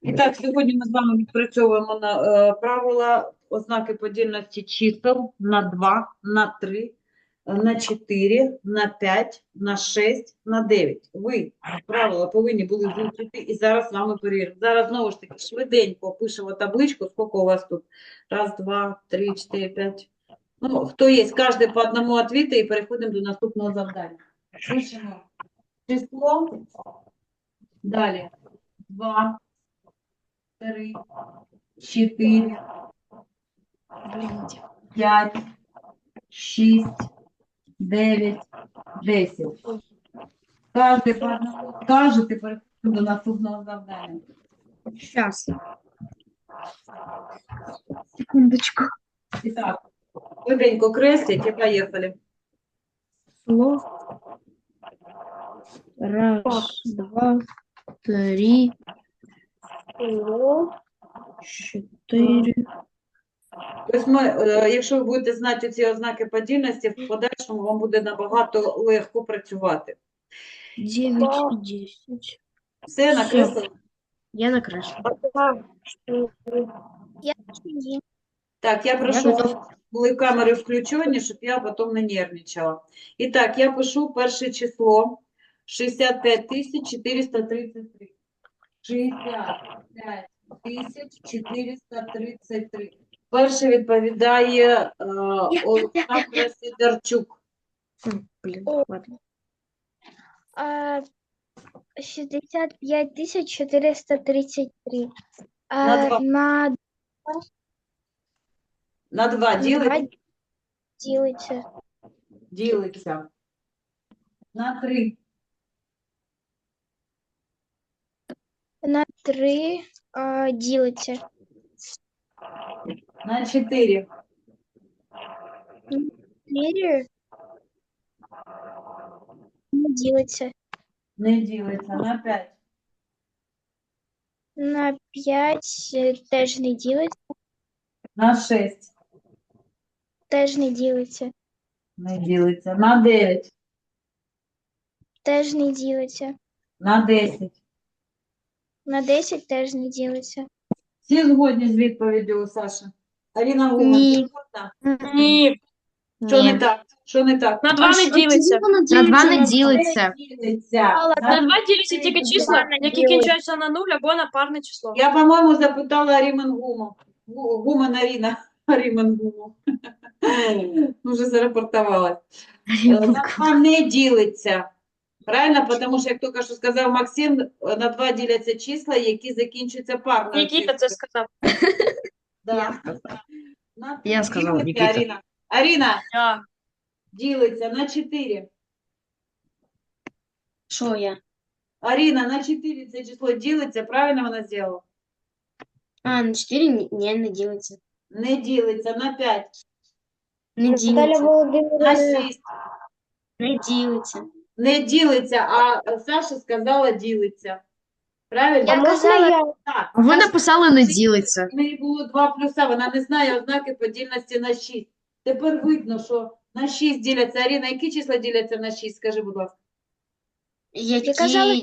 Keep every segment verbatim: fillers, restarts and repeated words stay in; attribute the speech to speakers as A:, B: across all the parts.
A: І так, сьогодні ми з вами відпрацьовуємо на, е, правила ознаки подільності чисел на два, на три, на чотири, на п'ять, на шість, на дев'ять. Ви правила повинні були вивчити і зараз з вами перевіримо. Зараз знову ж таки швиденько пишемо табличку, скільки у вас тут? Раз, два, три, чотири, п'ять. Ну, хто є, кожен по одному відповідати і переходимо до наступного завдання. Пишемо число, далі два, три, чотири, п'ять, шість, дев'ять, десять. Кожен по одному скажете, переходимо до наступного завдання.
B: Сейчас. Секундочку.
A: І так, швиденько кресліть і поїхали.
B: Число. Раз, два, три, чотири.
A: Тобто ми, е, якщо ви будете знати ці ознаки подільності, в подальшому вам буде набагато легко працювати.
B: Дев'ять і десять.
A: Все накреслили?
B: Я накреслила.
A: Так, я прошу,
B: Я
A: щоб були камери включені, щоб я потім не нервничала. І так, я пишу перше число шістдесят п'ять тисяч чотириста тридцять три. шістдесят п'ять тисяч чотириста тридцять три. Перше відповідає е, Олександра Сидорчук.
B: М, Блін,
C: О.
B: ладно.
C: А, шестьдесят пять тысяч четыреста тридцать три.
A: На
C: А,
A: два.
C: на
A: На два ділиться?
C: два делается.
A: Ділиться. На три.
C: На три а, делается.
A: На чотири.
C: четыре не делается.
A: Не ділиться. На п'ять.
C: На пять э, теж не делается.
A: На шість.
C: Теж не делается.
A: Не ділиться. На дев'ять.
C: Теж не делается.
A: На десять.
C: На десять теж не делается.
A: Всі згодні з відповіддю, Саша? Аліна Гумен,
B: Ні.
A: ти згодна?
D: Ні,
A: Що не
B: Ні.
A: так? Що не так?
D: на два не ділиться.
B: На два не ділиться.
A: Не ділиться.
D: На два ділиться тільки числа, які кінчаються на нуль або на парне число.
A: Я, по-моєму, запитала Рімен Гуму. Гу- Гумен Аріна. Рімен Гуму. Вже зарепортувалась. Е, На два не ділиться. Правильно? Тому що, як тільки що сказав Максим, на два діляться числа, які закінчуються парною
D: Нікіта це
A: числою.
D: сказав.
A: Да.
B: Я сказав.
A: На
B: Я
A: три
B: сказав,
A: ділиться,
B: Нікіта.
A: Аріна. Аріна,
D: Я.
A: ділиться на чотири.
B: Що я?
A: Аріна, на чотири це число ділиться, правильно вона зробила?
B: А, на чотири ні, ні, не ділиться.
A: Не ділиться, на п'ять,
B: Не
C: Наталья
B: ділиться.
A: на
C: Володимировна,
A: шість.
B: Не ділиться.
A: Не ділиться, а Саша сказала ділиться. Правильно?
C: Я казала,
A: Так.
B: А ви
A: Саша,
B: написали не ділиться.
A: в неї було два плюса, вона не знає ознаки подільності на шість. Тепер видно, що на шість діляться. Аріна, які числа діляться на шість? Скажи, будь ласка.
B: Які...
C: казала-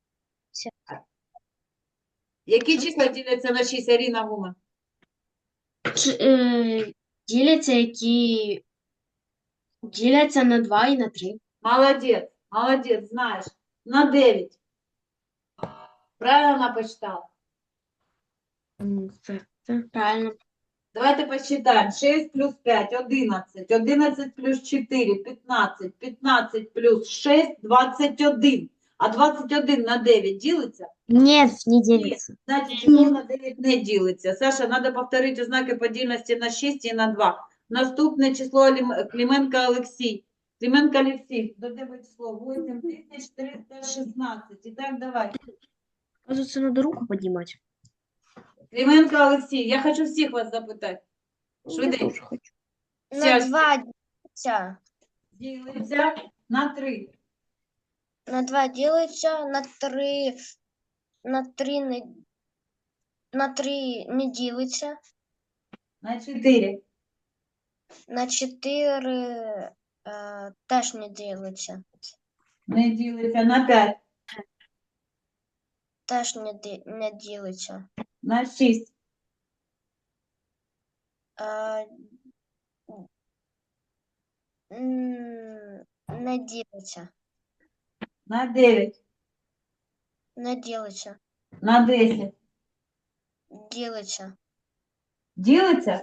A: Які числа діляться на шість, Аріна Гумен?
B: Ч- е, діляться, які діляться на два і на три.
A: Молодець, молодець, знаєш. На дев'ять. Правильно вона почитала?
B: М, Це, це правильно.
A: Давайте посчитаем. шесть плюс пять, одиннадцать. одиннадцать плюс четыре, пятнадцать. пятнадцать плюс шесть, двадцать один. А двадцять один на дев'ять ділиться?
B: Ні, не ділиться.
A: Значить, число на дев'ять не ділиться. Саша, треба повторити ознаки подільності на шість і на два. Наступне число Лім- Клименко Олексій. Клименко Олексій, до тебе число вісім тисяч триста шістнадцять. І так, давай.
B: Кажется, надо руку піднімати.
A: Клименко Олексій, я хочу всіх вас запитати. Швиденько.
B: Тоже хочу.
A: Вся
C: на два делается.
A: ділиться на три.
C: На два делается, на три, на три не, на три не делается,
A: На чотири.
C: на четыре э, теж не делается,
A: Не ділиться на п'ять.
C: теж не, ди- не ділиться.
A: На шість.
C: Е, м, Не ділиться.
A: На дев'ять.
C: Не ділиться.
A: На десять.
C: Ділиться.
A: Ділиться?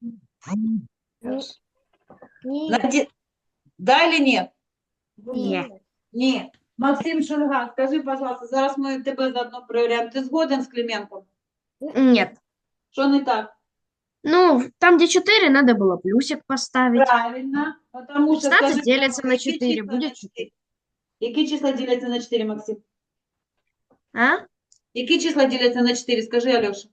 A: На ді... Да или ні?
B: Ні.
A: Ні. Максим Шульга, скажи, пожалуйста, зараз ми тебе заодно перевіряємо. Ти згоден з Клименком?
B: Нет.
A: Що не так?
B: Ну, там, где четыре, надо было плюсик поставить.
A: Правильно. Потому що,
B: шестнадцать
A: скажи,
B: делится на
A: які
B: четыре,
A: числа
B: будет
A: на чотири? Які числа діляться на чотири, Максим?
B: А?
A: Які числа діляться на чотири? Скажи, Альоша.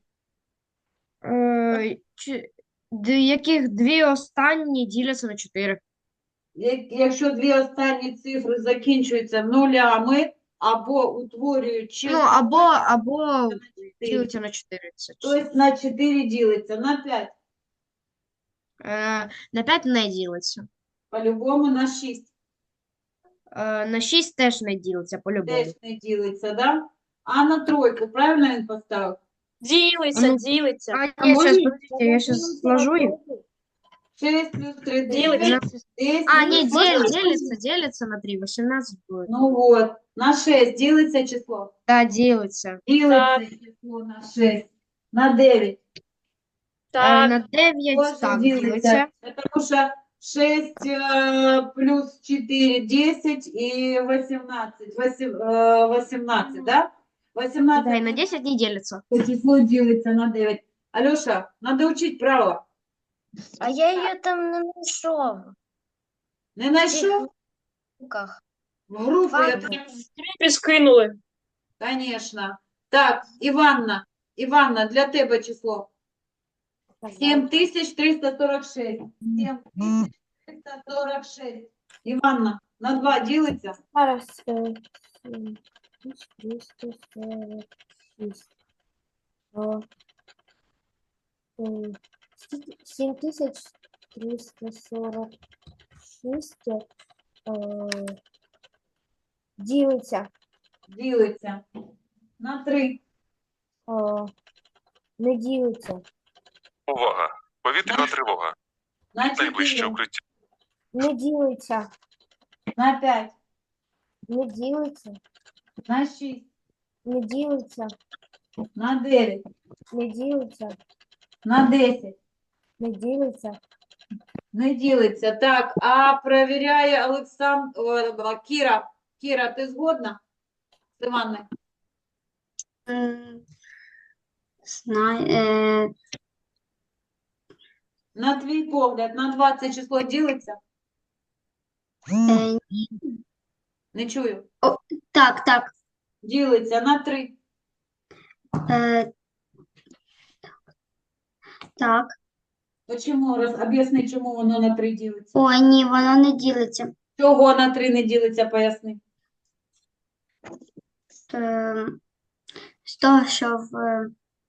B: Е, чи- д- яких дві останні діляться на чотири.
A: Як- Якщо дві останні цифри закінчуються нулями або утворюють
B: Ну,
A: число
B: або, або
A: на чотири,
B: ділиться на чотири. Це число.
A: тобто на чотири ділиться, на п'ять,
B: Е, на п'ять не ділиться.
A: по-любому на шість
B: Е, на шість теж не ділиться, по-любому.
A: теж не ділиться, да? А на тройку, правильно він поставив?
D: Ділиться,
B: Ну,
D: ділиться.
B: А,
A: А
B: ні, щас,
A: можна-
B: подождите, я сейчас сложу их.
A: шість плюс три,
D: Ділиться.
A: дев'ять, десять.
B: А, не,
D: Можно
B: дель,
D: сказать?
B: делится, делится на три, восемнадцать будет.
A: Ну от, на шість ділиться число.
B: Да, делится.
A: Ділиться число на шість. На дев'ять.
B: Е,
D: Так,
B: на дев'ять
A: Тоже
B: так
A: делится.
B: делится.
A: Потому что шесть э, плюс четыре, десять и восемнадцать. Восем- э, восемнадцать, да? восемнадцать
B: Да, и на десять не делится.
A: число делится на девять. Алёша, надо учить право.
C: А я її там не знайшов.
A: Не нашел?
C: В руках.
A: В группу я
C: Ладно.
A: там,
D: тобі скинули.
A: конечно. Так, Иванна, Иванна, для тебе число. семь тысяч триста сорок шесть. семь тысяч триста сорок шесть. Иванна, на два делится?
E: Зараз е, сім тисяч триста сорок шість. О, е, скільки? сім тисяч триста сорок шість е, ділиться.
A: Ділиться. На три.
E: О, не ділиться.
F: Увага! Повітряна тривога.
A: На
F: Найближче
A: чотири.
F: укриття.
E: Не ділиться.
A: На п'ять.
E: Не ділиться.
A: На шість.
E: Не ділиться.
A: На дев'ять.
E: Не ділиться.
A: На десять.
E: Не ділиться.
A: Не ділиться. Так, а перевіряє Олександр Кіра. Кіра, ти згодна з Іванною?
B: Знаю. Е,
A: На твій погляд, на двадцять число ділиться?
B: е,
A: Не чую.
B: так, так.
A: Ділиться на три.
B: Е, так.
A: Чому? Роз... Об'ясни, чому воно на три ділиться.
B: Ой, ні, воно не ділиться.
A: Чого на три не ділиться, поясни.
B: Е, з того, що в...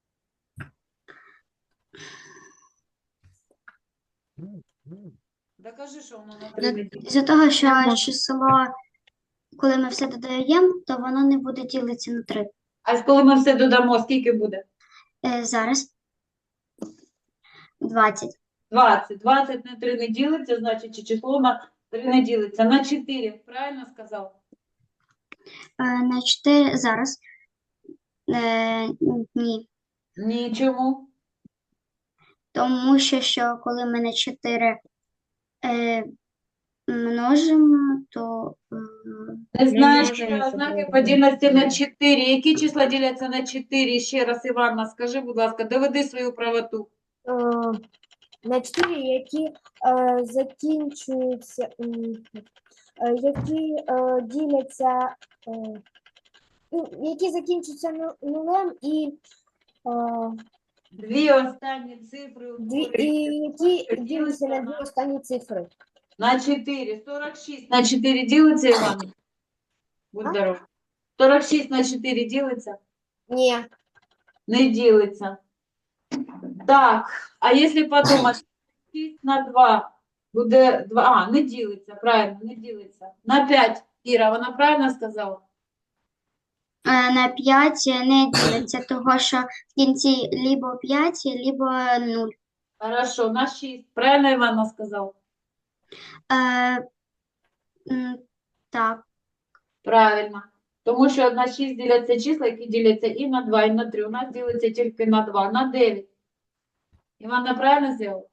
A: Докажи, що воно на три не ділиться.
B: З-за того, що число, коли ми все додаємо, то воно не буде ділитися на три.
A: А коли ми все додамо, скільки буде?
B: Е, зараз двадцять.
A: двадцять. двадцять на три не ділиться, значить, чи число на три не ділиться. На чотири, правильно сказав?
B: Е, на чотири зараз. Е, ні.
A: Ні, чому?
B: Тому що, що коли ми на чотири е, множимо, то е,
A: Не знаєш,
B: можемо
A: що
B: це
A: ознаки
B: зробити.
A: подільності на чотири. Які числа діляться на чотири? Ще раз, Іванна, скажи, будь ласка, доведи свою правоту.
E: Е, на чотири, які е, закінчуються, м, е, які е, діляться, е, ну, які закінчуються ну- нулем і, е,
A: Дві останні цифри
E: дві, і
A: утворюють
E: які
A: число, що
E: діляться на дві
A: на-
E: останні цифри.
A: на чотири. сорок шість на чотири ділиться, Іванна? Будь
E: А?
A: здоров. сорок шість на чотири ділиться?
E: Ні.
A: Не ділиться. Так, а якщо подумати, шість на два буде два, а, не ділиться, правильно, не ділиться. На п'ять, Іра, вона правильно сказала?
G: Е, На п'ять не ділиться, того що в кінці либо п'ять, либо нуль.
A: Хорошо, на шість. Правильно Івана сказав?
G: Е, м, так,
A: Правильно. Тому що на шість діляться числа, які діляться і на два, і на три. У нас ділиться тільки на два, на дев'ять. Івана правильно зробила?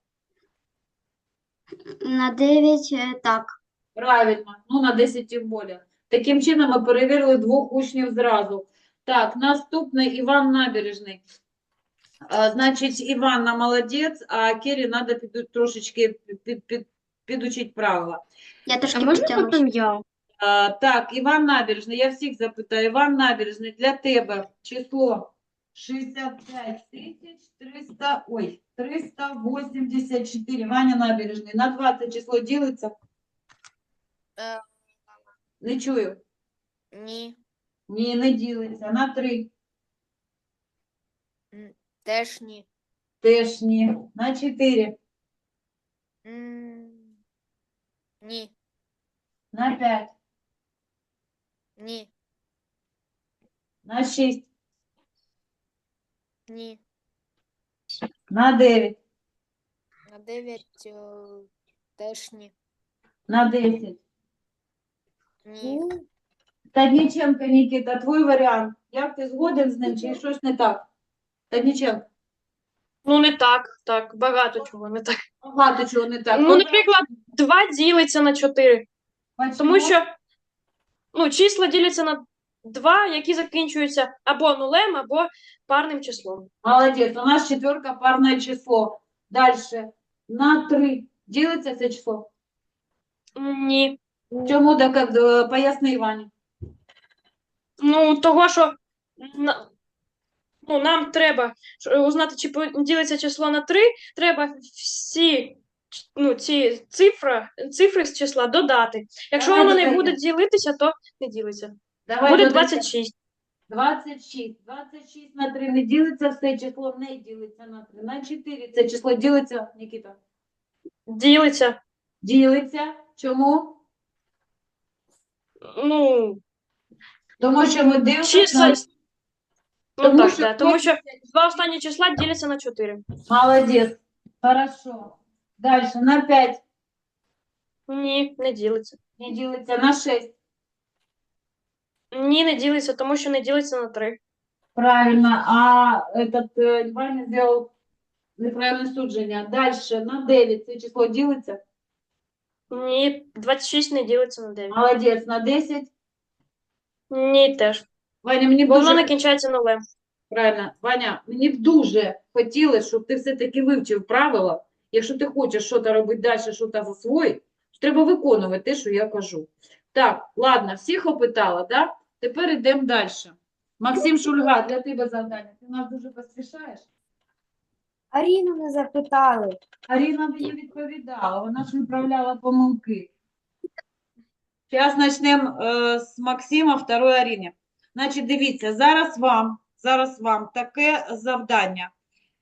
G: на дев'ять, е, так.
A: Правильно. Ну, на десять тим більше. Таким чином ми перевірили двох учнів зразу. Так, наступний Іван Набережний. А, значить, Іванна молодець, а Кері треба під, трошечки під, під, підучити правила.
G: Я
B: А
G: трошки
B: можна
G: підтягнусь.
B: потім я?
A: А, так, Іван Набережний, я всіх запитаю. Іван Набережний, для тебе число шістдесят п'ять тисяч триста, ой, триста вісімдесят чотири. Ваня Набережний, на двадцять число ділиться?
H: Е,
A: Не чую.
H: ні,
A: Ні, не ділиться. На три.
H: теж ні.
A: Теж ні. На чотири.
H: М, Ні,
A: На п'ять.
H: ні,
A: На шість.
H: ні.
A: На дев'ять.
H: На дев'ять е, теж ні.
A: На десять.
H: Ні.
A: Тадніченко, Нікіта, твій варіант. Як ти згоден з ним, чи щось не так? Тадніченко,
D: Ну, не так, так, багато чого не так.
A: багато чого не так.
D: Ну, наприклад, два ділиться на чотири. Тому що ну, числа діляться на два, які закінчуються або нулем, або парним числом.
A: Молодець, у нас четверка парне число. Дальше. На три. Ділиться це число?
D: Ні.
A: Чому так, е, поясни, Івані.
D: Ну, того, що на- ну, нам треба що- узнати, чи по- ділиться число на три, треба всі ч- ну, ці цифри, цифри з числа додати. Якщо
A: Давай
D: воно не
A: додаємо.
D: буде ділитися, то не ділиться.
A: Давай
D: Буде
A: додаємо.
D: двадцять шість.
A: двадцять шість. двадцять шість на три не ділиться, все число не ділиться на три. На чотири це число ділиться, Нікіта?
D: Ділиться.
A: Ділиться. Чому?
D: Ну,
A: Тому що ми дивимося
D: числа.
A: на...
D: Ну
A: Тому
D: так,
A: що
D: да, тому що
A: кожен-
D: два останні числа діляться на чотири.
A: Молодець. Хорошо. Дальше. На п'ять
D: Ні, не ділиться.
A: не ділиться. На шість.
D: Ні, не ділиться, тому що не ділиться на три.
A: Правильно. А этот э, Ваня сделал неправильное судження. Дальше. На дев'ять це число ділиться?
D: Ні, двадцять шість не ділиться на дев'ять.
A: Молодець. На десять?
D: Ні, теж.
A: Ваня, мені б
D: Бо воно
A: дуже...
D: не кінчається нулем.
A: Правильно. Ваня, мені б дуже хотілося, щоб ти все-таки вивчив правила. Якщо ти хочеш щось робити далі, щось засвоїти, то треба виконувати те, що я кажу. Так, ладно, всіх опитала, да? Тепер йдемо далі. Максим Шульга, для тебе завдання. Ти нас дуже поспішаєш?
E: Аріну не запитали.
A: Аріна мені відповідала, вона ж виправляла помилки. Зараз почнемо е, з Максима, второї Аріни. Значить, дивіться, зараз вам, зараз вам таке завдання.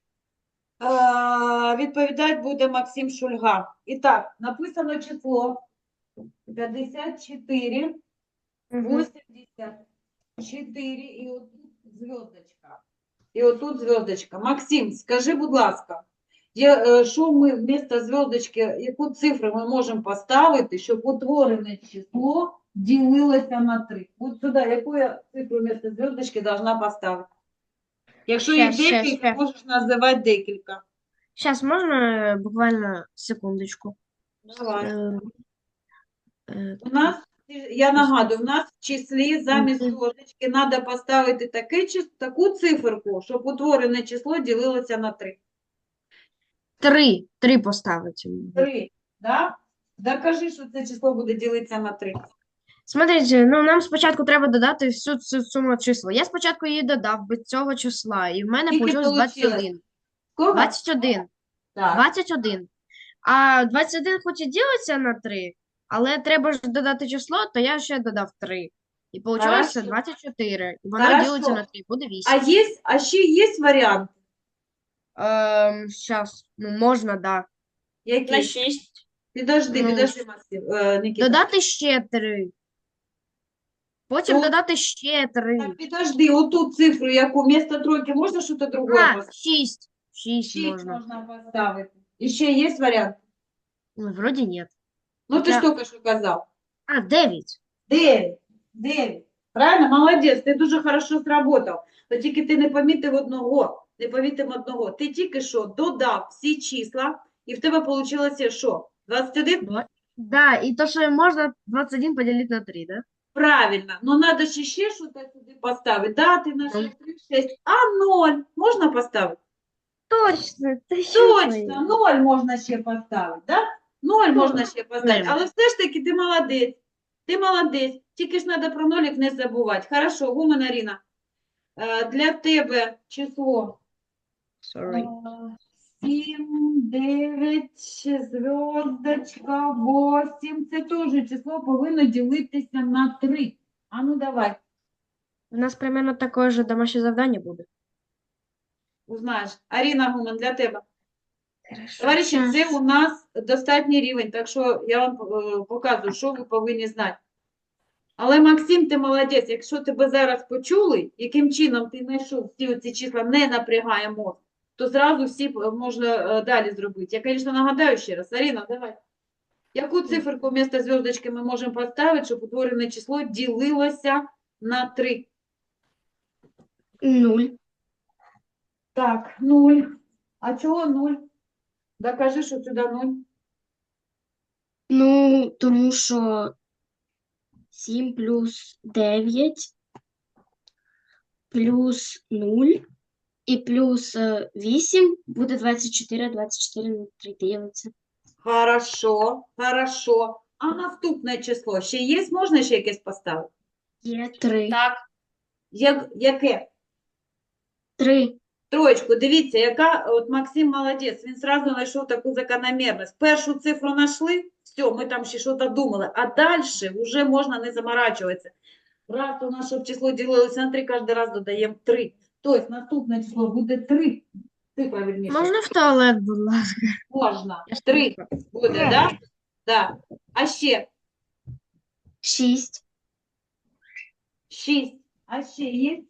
A: Е, відповідати буде Максим Шульга. І так, написано число п'ятдесят чотири, вісімдесят чотири і отут зв'язочка. І отут зв'язочка. Максим, скажи, будь ласка, є, е, що ми вмісто зв'язочки, яку цифру ми можемо поставити, щоб утворене число ділилося на три? От сюди, яку я цифру вмісто зв'язочки должна поставити? Якщо їх
B: Щас, щас,
A: декілька,
B: щас.
A: можеш називати декілька.
B: Зараз можна буквально секундочку.
A: Давай.
B: Е, е,
A: У нас, я нагадую, у нас в числі замість
B: Мгм.
A: зв'язочки треба поставити таке, чис- таку циферку, щоб утворене число ділилося на три.
B: Три. Три поставити.
A: Три, да? Докажи, що це число буде ділитися на три.
B: Смотрите, ну нам спочатку треба додати всю цю суму числа. Я спочатку її додав без цього числа, і в мене
A: Скільки
B: вийшло двадцять
A: получилось?
B: один.
A: Скільки?
B: двадцять один.
A: Так.
B: двадцять один. А двадцять один хоч і ділиться на три, але треба ж додати число, то я ще додав три. І вийшло
A: Хорошо.
B: двадцять чотири. І воно
A: Хорошо.
B: ділиться на три, буде
A: А,
B: вісім.
A: є, а ще є варіант?
B: Ем, щас, ну можна, да.
D: На
A: Який?
D: шість.
A: Підожди,
B: Ну,
A: підожди, Максим, е, Нікіта.
B: Додати ще три. Потім
A: То-
B: додати ще три.
A: Так, підожди, оту цифру, яку вместо тройки, можна щось другое
B: А,
A: поставити?
B: шість. Шість
A: Шість
B: можна.
A: можна поставити. І ще є варіант?
B: Ну, вроді ні.
A: Ну, ти ж
B: Хоча-
A: тільки що казав.
B: А, дев'ять.
A: Дев'ять. Дев'ять. Правильно? Молодець, ти дуже хорошо сработав. То тільки ти не помітив одного. Не помітив одного. Ти тільки що додав всі числа, і в тебе вийшло що? двадцять один?
B: Да, і то, що можна двадцять один поділити на три, да?
A: Правильно. Ну, треба ще ще щось сюди поставити. Да, ти нажав три, шість. А ноль можна поставити?
B: Точно, ти
A: Точно, ноль можна ще поставити, да? Ноль можна ще поставити.
B: Ноль.
A: Але все ж таки ти молодець. Ти молодець. Тільки ж треба про нолік не забувати. Хорошо, Гумен Аріна. Е, Для тебе число
B: Sorry.
A: е, сім, дев'ять, зв'язочка, вісім. Це теж число повинно ділитися на три. А ну давай,
B: У нас примерно таке ж домашнє завдання буде.
A: узнаєш. Аріна Гумен, для тебе.
B: Хорошо.
A: Товариші, це у нас достатній рівень, так що я вам е, показую, що ви повинні знати. Але, Максим, ти молодець, якщо тебе зараз почули, яким чином ти знайшов всі оці числа, не напрягає мозк, то зразу всі е, можна е, далі зробити. Я, звісно, нагадаю ще раз. Аріна, давай. Яку циферку вместо зв'язочки ми можемо поставити, щоб утворене число ділилося на три?
B: Нуль.
A: Так, нуль. А чого нуль? Докажи, що сюди нуль.
B: Ну, тому що сім плюс дев'ять плюс нуль і плюс е, вісім буде двадцять чотири, двадцять чотири на три ділиться.
A: Хорошо, хорошо. А наступне число ще є? Можна ще якесь поставити?
B: Є три.
A: Так. Як, яке?
B: Три.
A: Троєчку. Дивіться, яка от Максим молодець. Він одразу знайшов таку закономірність. Першу цифру знайшли, все, ми там ще щось думали. А далі вже можна не заморачуватися. Раз у нас, щоб число ділилося на три, кожен раз додаємо три. Тобто наступне число буде три. Цифра, вірніше.
B: Можна в туалет, будь ласка?
A: Можна.
B: Я ж
A: Три
B: не
A: буде, так? Да? Да. А ще
B: Шість.
A: шість. А ще є?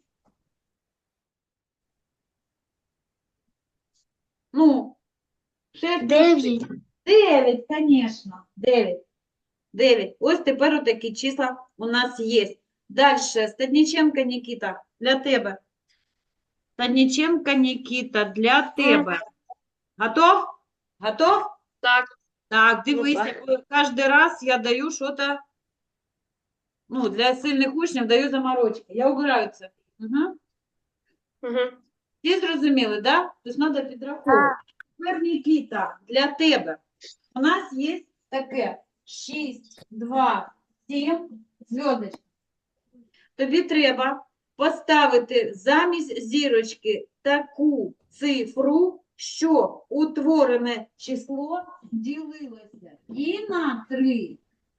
A: Ну, шесть.
B: Дев'ять.
A: Дев'ять, звісно. Дев'ять. Дев'ять. Ось тепер отакі числа у нас є. Далі. Стадніченко Нікіта, для тебе. Стадніченко Нікіта, для тебе. Готов? Готов?
D: Так.
A: Так, дивися, бо кожен раз я даю щось, ну, для сильних учнів даю заморочки. Я убираю це. Угу.
D: Угу.
A: Всі зрозуміли, да? Тобто треба підраховувати. Тепер, Нікіта, для тебе. У нас є таке шість, два, сім, зв'язочка. Тобі треба поставити замість зірочки таку цифру, що утворене число ділилося і на три,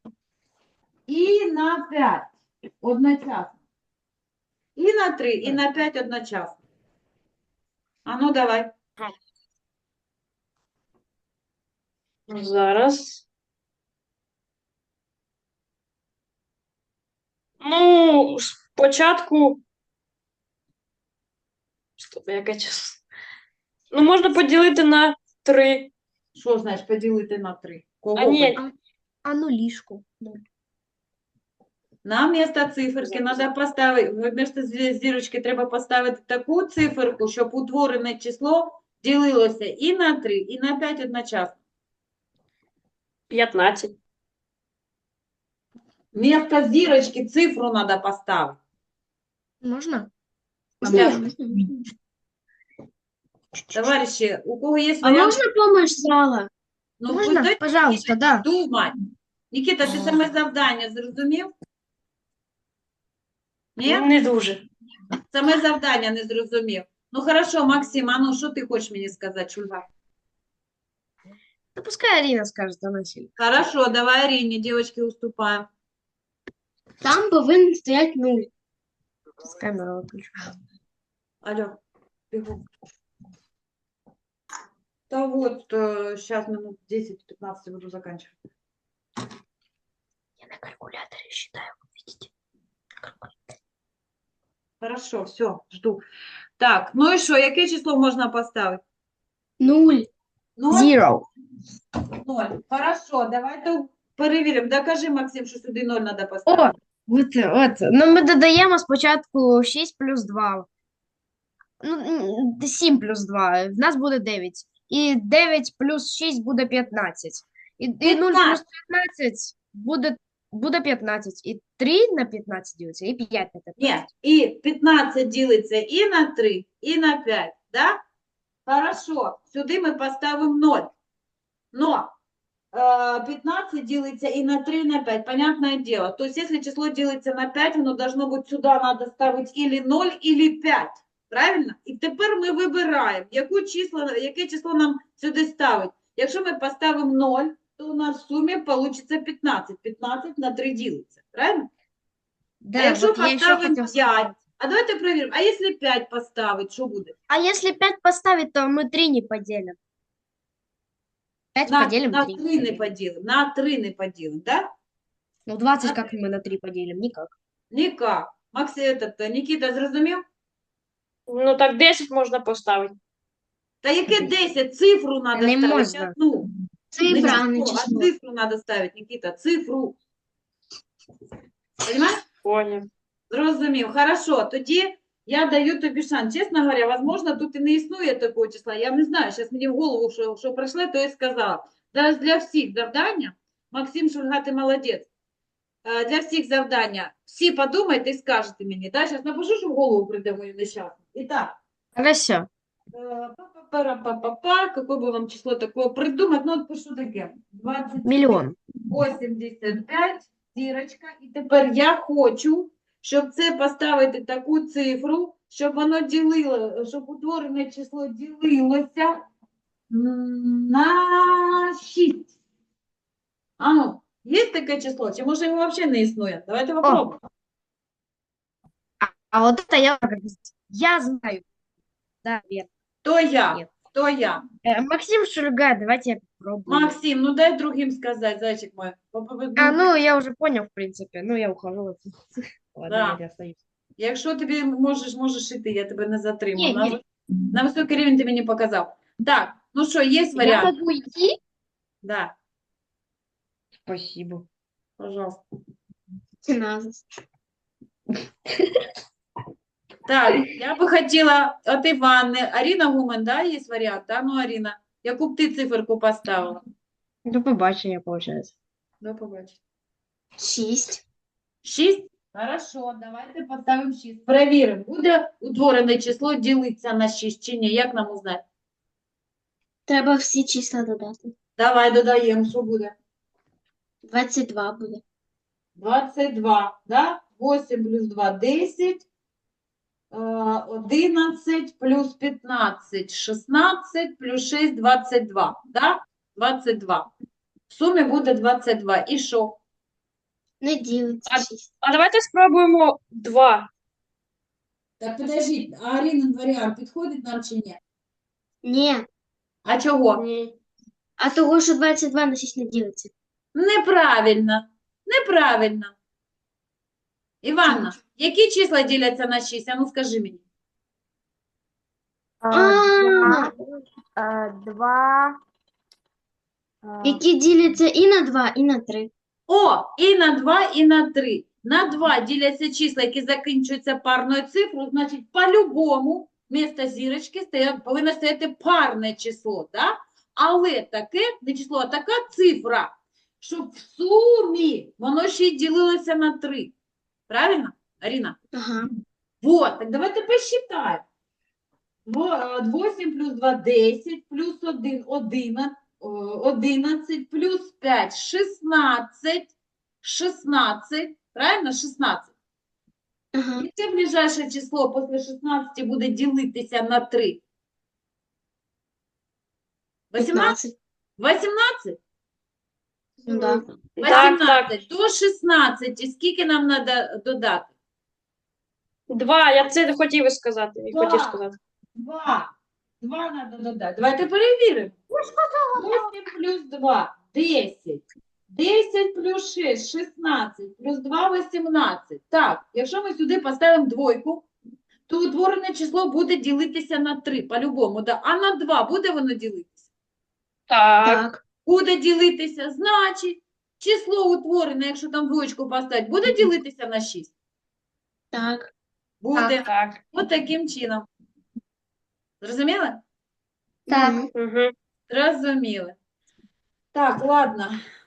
A: і на п'ять одночасно. І на три, і на п'ять одночасно. А ну давай.
D: Зараз. Ну, спочатку. Стоп, яке число? Ну, можна поділити на три.
A: Що значить поділити на три? Кого?
D: А ні,
B: А ну ліжку.
A: На місто циферки треба поставити, вмісто зірочки треба поставити таку циферку, щоб утворене число ділилося і на три, і на п'ять одночасно.
D: п'ятнадцять.
A: Вмісто зірочки цифру треба поставити.
B: Можна?
A: Можна. Товариші, у кого є
B: А
A: варіант?
B: можна помощь зала?
A: Ну,
B: Можна?
A: дайте
B: Пожалуйста, да.
A: думати. Нікіта, ти саме завдання зрозумів? Ні?
D: Не дуже.
A: Саме завдання не зрозумів. Ну, хорошо, Максим, а ну, що ти хочеш мені сказати, Шульга?
B: Да пускай Арина скажет, она сильно.
A: Хорошо, давай Арине, девочки, уступаем.
B: Там повинен стоять нуль. С камеры выключу.
A: Алло, бегу. Да вот, сейчас минут десять-пятнадцать буду заканчивать.
B: Я на калькуляторе считаю, видите?
A: Хорошо, все, жду. Так, ну і що, яке число можна поставити?
B: Нуль.
A: Ноль?
B: Zero.
A: Ноль. Хорошо, давайте перевіримо. Докажи, Максим, що сюди ноль треба
B: О,
A: поставити.
B: от, от. Ну, ми додаємо спочатку шість плюс два. Ну, м, сім плюс два. В нас буде дев'ять. І дев'ять плюс шість буде п'ятнадцять. І, і нуль плюс п'ятнадцять буде, буде п'ятнадцять. І три на п'ятнадцять ділиться, і п'ять на
A: Ні,
B: п'ятнадцять.
A: і п'ятнадцять ділиться і на три, і на п'ять, да? Хорошо, сюди ми поставимо ноль. Но э, пятнадцать делится и на три, и на пять, понятное дело. То есть, если число делится на пять, оно должно быть сюда надо ставить или ноль, или пять. Правильно? І тепер ми вибираємо, яку число, яке число нам сюди ставить. Якщо ми поставимо ноль, то у нас в сумі вийде п'ятнадцять. п'ятнадцять на три ділиться. Правильно?
B: Да,
A: а якщо
B: от я ще
A: поставимо
B: хотів
A: п'ять,
B: сказати.
A: а давайте перевіримо, а якщо п'ять поставить, що буде?
B: А если пять поставить, то мы три не поделим. пять
A: На,
B: поделим,
A: на
B: три
A: три не
B: поделим.
A: поділимо, на три не поділимо, да?
B: Ну, двадцать
A: На
B: как мы на три поделим? Никак.
A: Ніяк. Максим, этот, Нікіта, зрозумів?
D: Ну так десять можна поставити.
A: Та яке десять? Цифру треба
B: Не
A: ставити.
B: можна.
A: Ну,
G: Цифра, а
A: не
G: не
A: число, а
G: число.
A: цифру треба ставити, Нікіта, цифру. Понимаєш?
D: Поняв.
A: Зрозумів. Хорошо, тоді я даю тобі шанс. Чесно говоря, возможно, тут і не існує такого числа. Я не знаю, зараз мені в голову, що, що прийшло, то і сказала. Зараз для всіх завдання, Максим Шульга, ти молодець. Е, Для всіх завдання, всі подумайте і скажете мені. Да? Зараз напишу, що в голову прийде мою нещасну. І так.
B: Хорошо.
A: Э, Па-па-пара-па-па-па. Какое бы вам число такое придумать? Ну, от пишу таке. двадцять
B: Миллион.
A: вісімдесят п'ять, зірочка. І тепер я хочу, щоб це поставити таку цифру, щоб воно ділило, щоб утворене число ділилося м, на шість. А ну, є таке число? Чи може його взагалі не існує? Давайте попробуємо.
B: А вот это я, я знаю. Да, верно.
A: Хто я?
B: Ні.
A: Хто я?
B: Э, Максим Шульга, давайте я попробую.
A: Максим, ну дай другим сказать, зайчик мой. Попробуй
B: А,
A: другим.
B: ну, я уже понял, в принципе. Ну, я ухожу. Ладно,
A: Да.
B: я остаюсь.
A: Якщо тобі можеш, можеш іти, я тебе не затримую.
B: Ні,
A: На,
B: ні.
A: ви- на високий рівень ти мені показав. Так, ну що, є
B: Я
A: варіант?
B: могу идти?
A: Да,
B: Спасибо.
A: пожалуйста.
G: Не надо.
A: Так, я би хотіла от Іванни. Аріна Гумен, да, є варіант? Да? Ну, Аріна, яку б ти циферку поставила?
B: До побачення, получается.
A: До побачення.
G: Шість.
A: Шість? Хорошо, давайте поставимо шість. Перевіримо, буде утворене число ділитися на шість чи ні? Як нам узнати?
G: Треба всі числа додати.
A: Давай додаємо, що буде?
G: двадцять два буде.
A: двадцять два, да? вісім плюс два – десять. Э, одинадцять плюс пятнадцать, шестнадцать плюс шесть – двадцять два, да? двадцять два. В сумі буде двадцять два. І що?
G: Не ділиться
D: А-
G: шість.
D: А давайте спробуємо два.
A: Так, подождіть, а Арінин варіант підходить нам чи ні?
G: Ні.
A: А чого?
G: Ні. А того, що двадцять два на шість не ділиться.
A: Неправильно. Неправильно. Іванна, які числа діляться на шість? А ну скажи мені.
G: А,
E: Два.
G: які діляться і на два, і на три.
A: О, і на два, і на три. На два діляться числа, які закінчуються парною цифрою, значить, по-любому вместо зірочки стоять, повинно стояти парне число, да? Але таке, не число, а така цифра, щоб в сумі воно ще й ділилося на три. Правильно, Аріна?
G: Ага.
A: Вот, так давайте посчитаем. восемь плюс два – десять, плюс один – одиннадцать, одиннадцать, плюс пять – шестнадцать, шестнадцать, правильно, шестнадцать.
G: Ага.
A: Яке ближайше число після шістнадцяти буде ділитися на три? вісімнадцять?
G: п'ятнадцять.
A: вісімнадцять?
G: Ну, да.
D: Так, так.
A: вісімнадцять до шістнадцяти. Скільки нам треба додати?
D: Два. Я це хотів і сказати. і
A: Два.
D: хотів сказати.
A: Два. Два треба додати. Давайте перевіримо. вісім плюс два – десять. десять плюс шість – шістнадцять. Плюс два – вісімнадцять. Так, якщо ми сюди поставимо двойку, то утворене число буде ділитися на три, по-любому, да? А на два буде воно ділитися?
D: Так.
A: Буде ділитися, значить, число утворене, якщо там двоєчку поставити, буде ділитися на шість?
C: Так.
A: Буде.
D: Так.
A: Ось таким чином. Зрозуміли?
G: Так.
D: Угу.
A: Зрозуміли. Так, ладно.